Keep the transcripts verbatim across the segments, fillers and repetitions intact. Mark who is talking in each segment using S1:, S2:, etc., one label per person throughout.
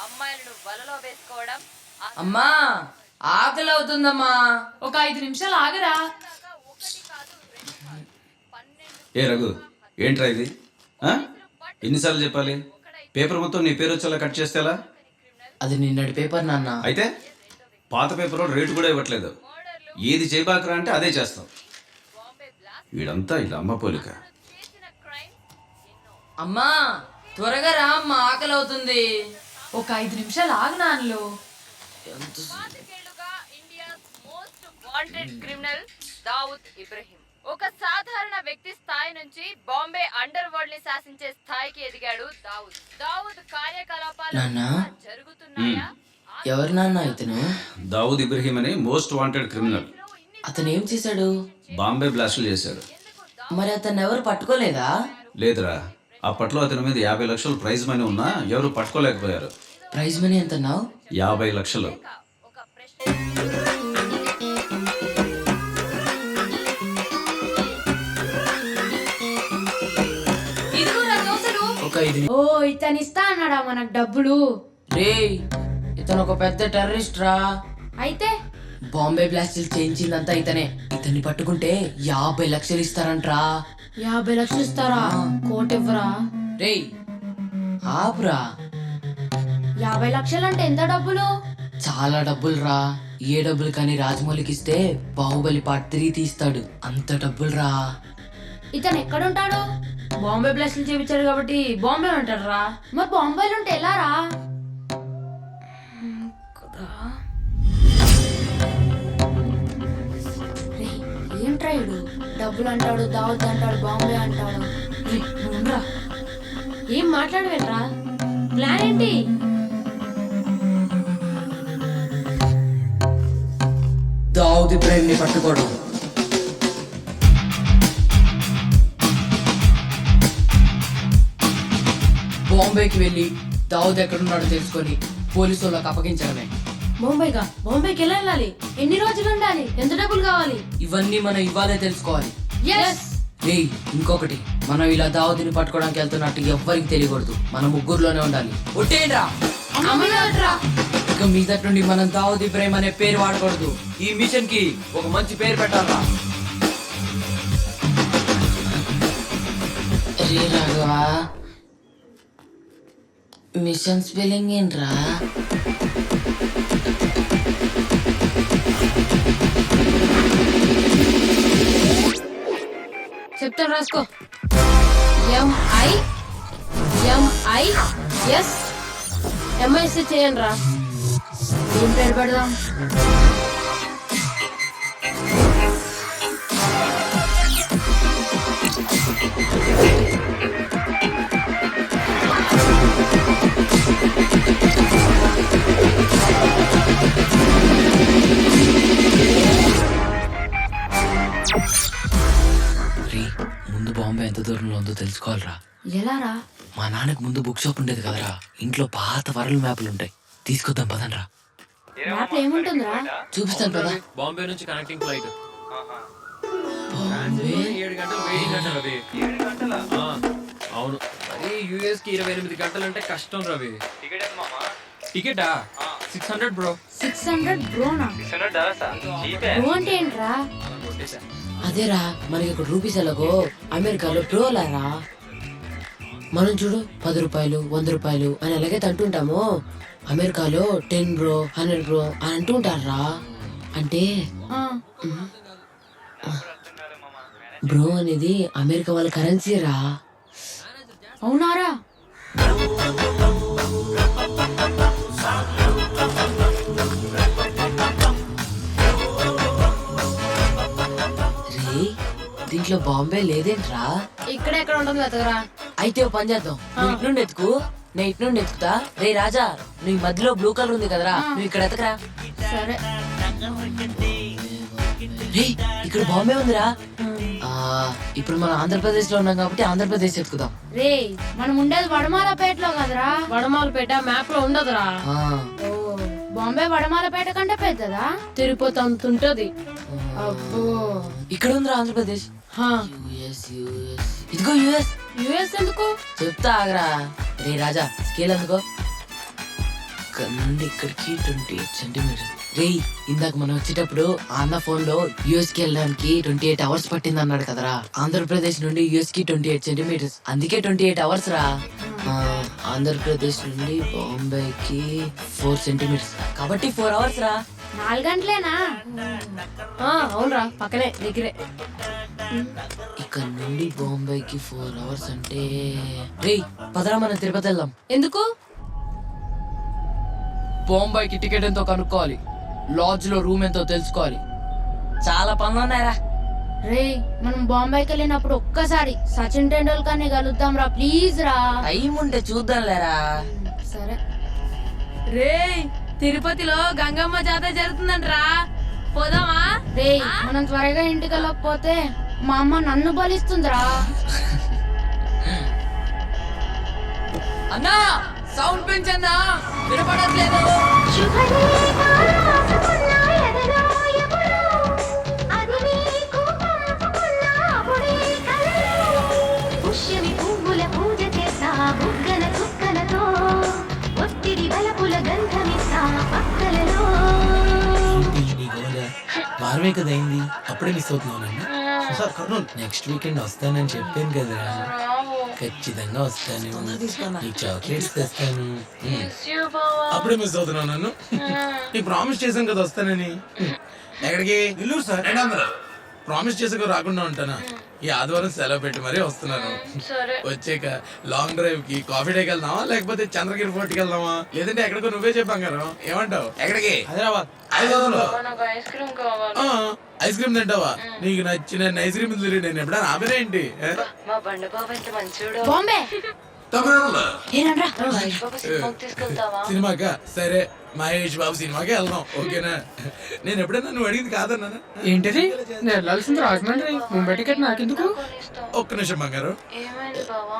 S1: అమ్మాయిలను వలలో వేసుకోవడం.
S2: అమ్మా ఆకలి అవుతుందమ్మా,
S3: ఒక ఐదు నిమిషాలు ఆగరా.
S4: ఏ రఘు, ఏంట్రా ఇది? ఎన్నిసార్లు చెప్పాలి? పేపర్ మొత్తం నీ పేరు వచ్చేలా కట్ చేస్తేలా?
S2: అది నిన్నటి పేపర్ నాన్న.
S4: అయితే పాత పేపర్ రేటు కూడా ఇవ్వట్లేదు. ఏది చేయబాకరా అంటే అదే చేస్తాం. వీడంతా ఇలా అమ్మ పోలిక.
S2: అమ్మా త్వరగా రా అమ్మా, ఆకలి అవుతుంది.
S3: ఒక ఐదు నిమిషాలు ఆగు నాన్నలు.
S1: పాతికేళ్లుగా India's most wanted criminal Dawood Ibrahim ఒక సాధారణ వ్యక్తి స్థాయి నుంచి బాంబే అండర్ వరల్డ్ ని శాసించే స్థాయికి ఎదిగాడు. దావుద్ దావుద్ కార్యకలాపాలు జరుగుతున్నాయా?
S2: ఎవరు నాన్న ఇతను?
S4: దావుద్ ఇబ్రహీం అని మోస్ట్ వాంటెడ్ క్రిమినల్.
S2: అతను ఏం చేశాడు?
S4: బాంబే బ్లాస్టులు చేశాడు.
S2: మరి అతను ఎవరు పట్టుకోలేదా?
S4: లేదురా, అప్పట్లో అతని మీద యాభై లక్షలు ప్రైజ్ మనీ ఉన్నా ఎవరు పట్టుకోలేకపోయారు.
S2: ప్రైజ్ మనీ ఎంత అన్నావు?
S4: యాభై లక్షలు.
S3: ఓ ఇతను ఇస్తా అన్నాడా మనకు డబ్బులు?
S2: రే ఇతను ఒక పెద్ద టెర్రరిస్ట్ రా.
S3: అయితే
S2: బాంబే బ్లాస్టులు చేయించిందంతా ఇతనే. ఇతన్ని పట్టుకుంటే యాభై లక్షలు ఇస్తారంట్రా.
S3: యాభై లక్షలు ఇస్తారా? కోటి ఇవ్వరా?
S2: రే ఆపురా.
S3: యాభై లక్షలు అంటే ఎంత డబ్బులు?
S2: చాలా డబ్బులు రా. ఏ డబ్బులు కానీ రాజమౌళికి ఇస్తే బాహుబలి పార్ట్ త్రీ తీస్తాడు. అంత డబ్బులు రా.
S3: ఇతను ఎక్కడుంటాడు? బాంబే బ్లాస్టులు చేయించాడు కాబట్టి బాంబే ఉంటాడు రా. మరి బాంబేలో ఉంటే ఎలా రా? ఏంట్రా ఇడు డబ్బులు అంటాడు, దావత్ అంటాడు, బాంబే అంటాడు. రా ఏం మాట్లాడవేట్రా? ప్లాన్ ఏంటి?
S2: దావుద్ ఇబ్రహీం ని పట్టుకోవడం. బాంబేకి వెళ్ళి దావుద్ ఎక్కడున్నాడో తెలుసుకొని పోలీసు వాళ్ళకి అప్పగించడమే.
S3: బాంబేగా? బాంబేకి ఎలా వెళ్ళాలి? ఎన్ని రోజులు ఉండాలి? ఎంత డబ్బులు కావాలి?
S2: ఇవన్నీ మనం ఇవ్వాలే తెలుసుకోవాలి.
S3: yes
S2: రే ఇంకొకటి, మనం ఇలా దావుద్ని పట్టుకోవడానికి వెళ్తున్నట్టు ఎవ్వరికి తెలియకూడదు. మనం ముగ్గురులోనే ఉండాలి. ఒట్టేంట్రా ఇక మీదటి నుండి మనం దావుద్ ఇబ్రహీం అనే పేరు వాడకూడదు. ఈ మిషన్ కి ఒక మంచి పేరు పెట్టాలా? రే రాఘవా, మిషన్ స్పెల్లింగ్ ఏంట్రా?
S3: చెప్తాను రాసుకో. ఎంఐ ఎంఐ ఎస్ ఎంఐఎస్ చేయండి రా. ఏం పేరు పెడదాం?
S2: ముందు బాంబే ఎంత దూరంలో ఉందో తెలుసుకోవాలరా.
S3: ఎలా రా?
S2: మా నాన్నకు ముందు బుక్ షాప్ ఉండేది కదరా, ఇంట్లో పాత వరల్డ్ మ్యాప్లు ఉంటాయి. తీసుకొద్దాం పదండ్రా.
S3: మ్యాప్ ఏముంటుందిరా?
S2: చూపిస్తాను పదా.
S5: బాంబే నుంచి కనెక్టింగ్ ఫ్లైట్.
S2: బాంబే
S5: ఏడు గంటలు వెయిటింగ్ అంట రవి. అవును, మరి యూఎస్ కి ఇరవై ఎనిమిది గంటలు అంటే కష్టం రవి. టికెటా six hundred bro.
S3: Six hundred బ్రోనా? బ్రో అంటే ఏంట్రా?
S2: అదేరా, మనకి ఇక్కడ రూపీస్ ఎలాగో అమెరికాలో బ్రోలారా. మనం చూడు పది రూపాయలు వంద రూపాయలు అని ఎలాగైతే అంటుంటామో, అమెరికాలో టెన్ బ్రో హండ్రెడ్ బ్రో అని అంటూ ఉంటారా. అంటే బ్రో అనేది అమెరికా వాళ్ళ కరెన్సీ రా.
S3: అవునారా?
S2: దీంట్లో బాంబే లేదేంట్రా?
S3: ఇక్కడ ఎక్కడ ఉంటుంది వెతకరా.
S2: అయితే ఓ పని చేద్దాం, నువ్వు ఇటు నుండి ఎత్తుకు, నేను ఇటు నుండి ఎత్తుకుతా. రే రాజా, నువ్వు మధ్యలో బ్లూ కలర్ ఉంది కదరా, నువ్వు ఇక్కడ ఎతకరా.
S3: సరే.
S2: రే ఇక్కడ బాంబే ఉందిరా. ఇప్పుడు మనం ఆంధ్రప్రదేశ్ లో ఉన్నాం కాబట్టి ఆంధ్రప్రదేశ్ ఎత్తుకుదాం.
S3: రే మనం ఉండేది వడమాలపేటలో కదరా. వడమాలపేట మ్యాప్ లో ఉండదురా. బాంబే వడమాలపేట కంటే పెద్దదా? తిరుపతి అంత ఉంటది. అబ్బో,
S2: ఇక్కడ ఉందిరా ఆంధ్రప్రదేశ్. ఇదిగో యుఎస్.
S3: యుఎస్ ఎందుకు?
S2: చెప్తా ఆగరా. రే రాజా, స్కేల్ ఎందుకో. ఇక్కడ నుండి ఇక్కడికి ట్వంటీ ఎయిట్ సెంటీమీటర్స్. రే ఇందాక మనం వచ్చేటప్పుడు ఆ అన్న ఫోన్ లో యూఎస్ కి వెళ్ళడానికి ట్వంటీ ఎయిట్ అవర్స్ పట్టింది అన్నాడు కదరా. ఆంధ్రప్రదేశ్ నుండి యూఎస్ కి ట్వంటీ ఎయిట్ సెంటీమీటర్స్, అందుకే ట్వంటీ ఎయిట్ అవర్స్ రా. ఆ, ఆంధ్రప్రదేశ్ నుండి బాంబేకి ఫోర్ సెంటీమీటర్స్ కాబట్టి ఫోర్ అవర్స్ రా.
S3: నాలుగు గంటలేనా? అవునరా, పక్కనే దగ్గరే.
S2: ఇక్కడ నుండి బాంబేకి ఫోర్ అవర్స్ అంటే రే పదరా మనం తిరుపతి వెళ్దాం.
S3: ఎందుకు?
S2: బాంబేకి టికెట్ ఎంతో కనుక్కోవాలి, లాడ్జ్ లో రూమ్ ఎంతో తెలుసుకోవాలి, చాలా పనులు ఉన్నాయరా.
S3: రే మనం బాంబేకి వెళ్ళినప్పుడు ఒక్కసారి సచిన్ టెండూల్కర్ ని కలుద్దాం రా, ప్లీజ్ రా.
S2: టైం ఉంటే చూద్దాం లేరా.
S3: సరే.
S6: రే తిరుపతిలో గంగమ్మ జాతర జరుగుతుందంటరా, పోదామా?
S3: రే మనం త్వరగా ఇంటికి వెళ్ళకపోతే మా అమ్మ నన్ను బలిస్తుందిరా.
S2: అన్నా సౌండ్ పెంచన్నా, వినపడట్లేదు.
S7: వారమే కదా అయింది, అప్పుడే మిస్ అవుతున్నావు. సార్ కర్నూలు నెక్స్ట్ వీకెండ్ వస్తానని చెప్పాను కదా, ఖచ్చితంగా వస్తాను. నీకు చాక్లెట్స్ తెస్తాను. అప్పుడే మిస్ అవుతున్నావు నన్ను. నీకు ప్రామిస్ చేశాను కదా వస్తానని. ఎక్కడికి? నెల్లూరు సార్. ప్రామిస్ చేసాక రాకుండా ఉంటానా? ఈ ఆదివారం సెలవు పెట్టి మరీ వస్తున్నాను. వచ్చాక లాంగ్ డ్రైవ్ కి కాఫీ డేకి వెళ్దామా, లేకపోతే చంద్రగిరి ఫోర్ట్కి వెళ్దామా, లేదంటే ఎక్కడికో నువ్వే చెప్పాం కదా. ఏమంటావు? ఎక్కడికి? హైదరాబాద్. హైదరాబాద్ ఐస్ క్రీమ్ తింటావా? నీకు నచ్చిన ఐస్ క్రీమ్ నేను ఎప్పుడైనా ఆమెనే ఏంటి?
S3: బాంబే
S7: సినిమాకా? సరే మహేష్ బాబు సినిమాకే వెళ్దాం, ఓకేనా? నేను ఎప్పుడైనా నువ్వు అడిగింది కాదన్నా.
S8: ఏంటిది? నేను వెళ్ళాల్సింది రాజమండ్రి, ముంబై టికెట్ నాకెందుకు?
S7: ఒక్క నిమిషం బంగారు.
S1: ఏమైంది బావా?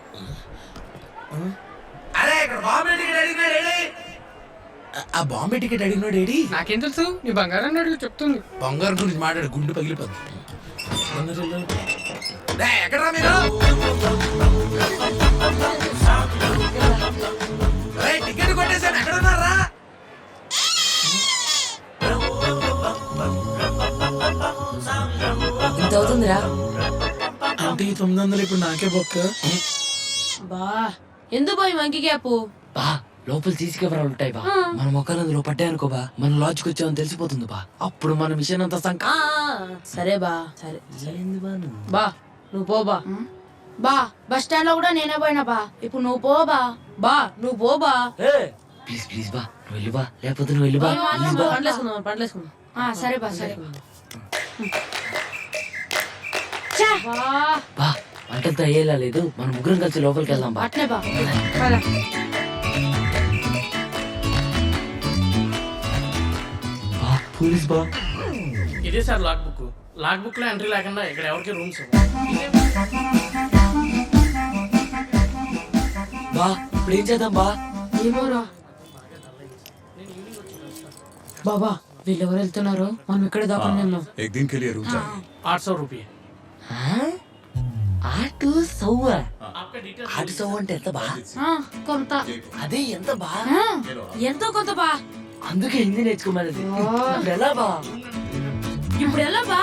S7: అరే ఇక్కడ బాంబే టికెట్ అడిగినాడు ఏడి? ఆ బాంబే టికెట్ అడిగినాడు ఏడి?
S8: నాకేం తెలుసు, నీ బంగారాన్ని అడుగు చెప్తుంది.
S7: బంగారం గురించి మాట్లాడు, గుండు పగిలిపోద్ది. ఎక్కడరా మీరు? టికెట్ కొట్టేసాను, ఎక్కడ ఉన్నారా?
S2: ఇంత అవుతుందిరా.
S7: అంటే ఈ తొమ్మిది వందలు ఇప్పుడు నాకే బొక్క.
S3: బా ఎందుకు పోయి మంకి గ్యాప్?
S2: బా లోపల సీసీ కెమెరాలు ఉంటాయి బా, మన మొక్కలు అందులో పట్టాయి అనుకో బా, మన లాడ్జ్కి వచ్చామని తెలిసిపోతుంది బా, అప్పుడు మన మిషన్ అంతా సంక.
S3: సరే బా, సరే
S8: బా నువ్వు పో బా.
S3: బా బస్ స్టాండ్ లో కూడా నేనే పోయినా బా, ఇప్పుడు నువ్వు పో బా.
S8: బా నువ్వు పో బా.
S2: ప్లీజ్ ప్లీజ్ బా నువ్వు వెళ్ళి బా, లేకపోతే నువ్వు వెళ్ళి బా. ప్లీజ్ బా.
S8: పండ్లేసుకుందాం పండ్లేసుకుందాం.
S3: ఆ, సరే బా, సరే
S2: బా వంటలతో అయ్యేలా లేదు, మనం ముగ్గురం కలిసి లోపలికి వెళ్దాం బా.
S3: అట్లే బా.
S2: బా పోలీస్ బా.
S8: ఇదే sir log book. Log book లో ఎంట్రీ లేకుండా ఇక్కడ ఎవరికి రూమ్స్.
S2: బా ఇప్పుడు ఏం చేద్దాం బా?
S3: ఏమోరా బాబా, వీళ్ళెవరు వెళ్తున్నారు? మనం ఇక్కడే దాకా
S9: एक दिन के लिए रुक जाइए।
S8: आठ सौ रुपये.
S2: ఆటు సవ్వ. ఆటు సవ్వ అంటే ఎంత బా?
S3: కొంత.
S2: అదే ఎంత బా?
S3: ఎంతో కొంత బా.
S2: అందుకే హిందీ నేర్చుకోమన్నది. ఇప్పుడు ఎలా బా?
S3: ఇప్పుడు ఎలా బా?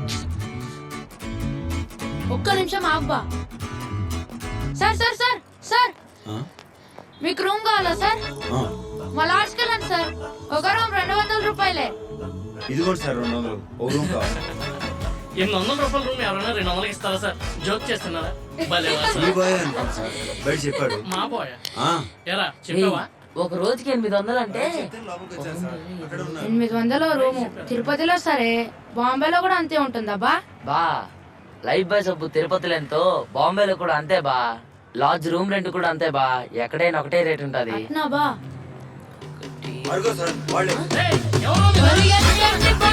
S3: ఒక్క నిమిషం ఆగు బా. సార్ సార్ సార్ సార్ మీకు రూమ్ కావాలా సార్? మా లాడ్జ్కి వెళ్ళండి సార్, ఒక రూమ్ రెండు వందల రూపాయలే.
S9: ఇదిగోండి సార్ రెండు వందలు ఓ రూమ్ కావాలి.
S8: ఎనిమిది వందల రూపాయల రూమ్ ఎవరైనా రెండు వందలకి ఇస్తారా సార్? జోక్ చేస్తున్నారా? భలే వా సార్.
S9: ఈ బాయ్ అనుకోండి సార్, బయట చెప్పాడు.
S8: మా పోయా
S9: ఆ,
S8: ఎరా చెప్పావా?
S2: ఒక రోజుకి ఎనిమిది వందలు అంటే
S9: లోపలికి వచ్చాను సార్, అక్కడ ఉన్నారు.
S3: ఎనిమిది వందల రూము తిరుపతిలో సరే, బాంబేలో కూడా అంతే ఉంటుందా బా?
S2: బా లైఫ్ బాయ్ సబ్బు తిరుపతిలో ఎంతో, బాంబేలో కూడా అంతే బా. లాడ్జ్ రూమ్ రెంట్ కూడా అంతే బా, ఎక్కడైనా ఒకటే రేట్ ఉంటది.
S3: అట్నా బా?
S9: అడుగు సార్ వాళ్ళే.
S8: ఏయ్, ఎవరో మీరు?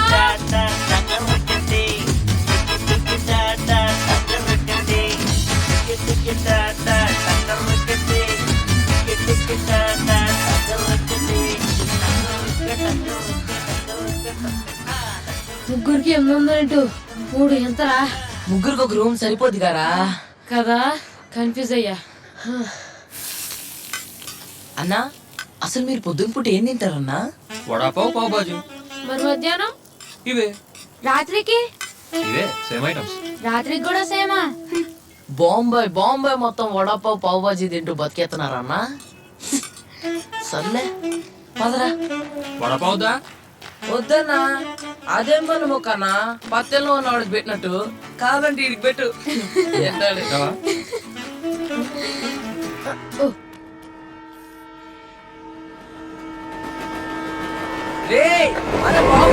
S3: ముగ్గురికి ఎనిమిది వందలు మూడు ఎంతరా?
S2: ముగ్గురికి ఒక రూమ్ సరిపోద్ది కదా
S3: కదా, కన్ఫ్యూజ్ అయ్యా.
S2: అన్నా
S10: అసలు మీరు పొద్దున పూట ఏం తింటారన్నా?
S5: వడాపావ్ పావ్ బాజీ
S3: మరి మధ్యాహ్నం
S5: ఇవే
S3: రాత్రికి
S5: ఇవే సేమ్ ఐటమ్స్.
S3: రాత్రికి కూడా సేమా?
S10: బాంబాయ్ బాంబాయ్ మొత్తం వడాపావ్ పావ్ బాజీ తింటూ బతికేస్తున్నారన్నా. సర్లే పదరా.
S5: వడాపావ్ దా
S10: వద్దన్నా, అదేం పని మొక్కన్నా, పత్తెల్లో ఉన్నవాడికి పెట్టినట్టు. కాదంటే ఇడికి పెట్టు.
S5: తింటావా?
S10: రేయ్, అరే బాంబాయ్